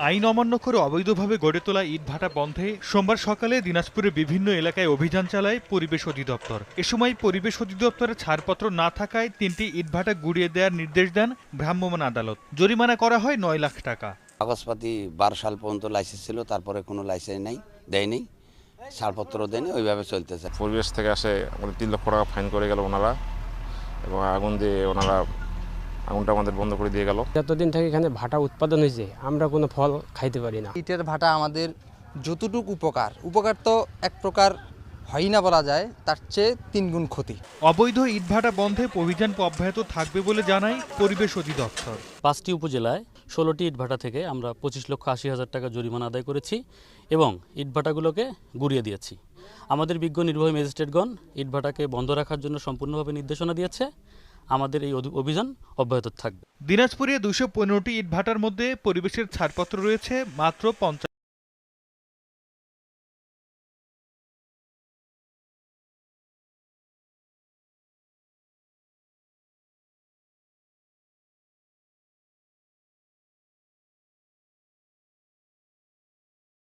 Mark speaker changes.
Speaker 1: আইন অমান্য করে অবৈধভাবে গড়ে তোলা ইটভাটা বন্ধে সোমবার সকালে দিনাজপুরের বিভিন্ন এলাকায় অভিযান চালায় পরিবেশ অধিদপ্তর। এ সময় পরিবেশ অধিদপ্তরের ছাড়পত্র না থাকায় ৩টি ইটভাটা গুড়িয়ে দেওয়ার নির্দেশ দেন ভ্রাম্যমাণ আদালত। জরিমানা করা হয় ৯ লাখ টাকা।
Speaker 2: কাগজপাতি ১২ সাল পর্যন্ত লাইসেন্স ছিল, তারপরে কোনো লাইসেন্স দেয়নি, ছাড়পত্র দেয়নি, ওইভাবে চলতেছে।
Speaker 3: পরিবেশ থেকে আসে আমাদের ৩ লক্ষ টাকা ফাইন করে গেল ওনারা, এবং আগুন দিয়ে ওনারা আগুনটা আমাদের বন্ধ করে দিয়ে গেল।
Speaker 4: যতদিন থেকে এখানে ভাটা উৎপাদন হয়েছে আমরা কোনো ফল খাইতে পারি না।
Speaker 5: ইটের ভাটা আমাদের যতটুকু উপকার তো এক প্রকার হয় না বলা যায়, তার চেয়ে ৩ গুণ ক্ষতি।
Speaker 1: অবৈধ ইটভাটা বন্ধে অভিযান অব্যাহত থাকবে বলে জানায় পরিবেশ অধিদপ্তর।
Speaker 6: ৫টি উপজেলায় ১৬টি ইটভাটা থেকে আমরা ২৫,৮০,০০০ টাকা জরিমানা আদায় করেছি এবং ইটভাটাগুলোকে গুড়িয়ে দিয়েছি। আমাদের বিজ্ঞ নির্বাহী ম্যাজিস্ট্রেটগণ ইটভাটাকে বন্ধ রাখার জন্য সম্পূর্ণভাবে নির্দেশনা দিয়েছে। আমাদের এই অভিযান অব্যাহত থাকবে।
Speaker 1: দিনাজপুরে ২১৫টি ইটভাটার মধ্যে পরিবেশের ছাড়পত্র রয়েছে মাত্র ৫০।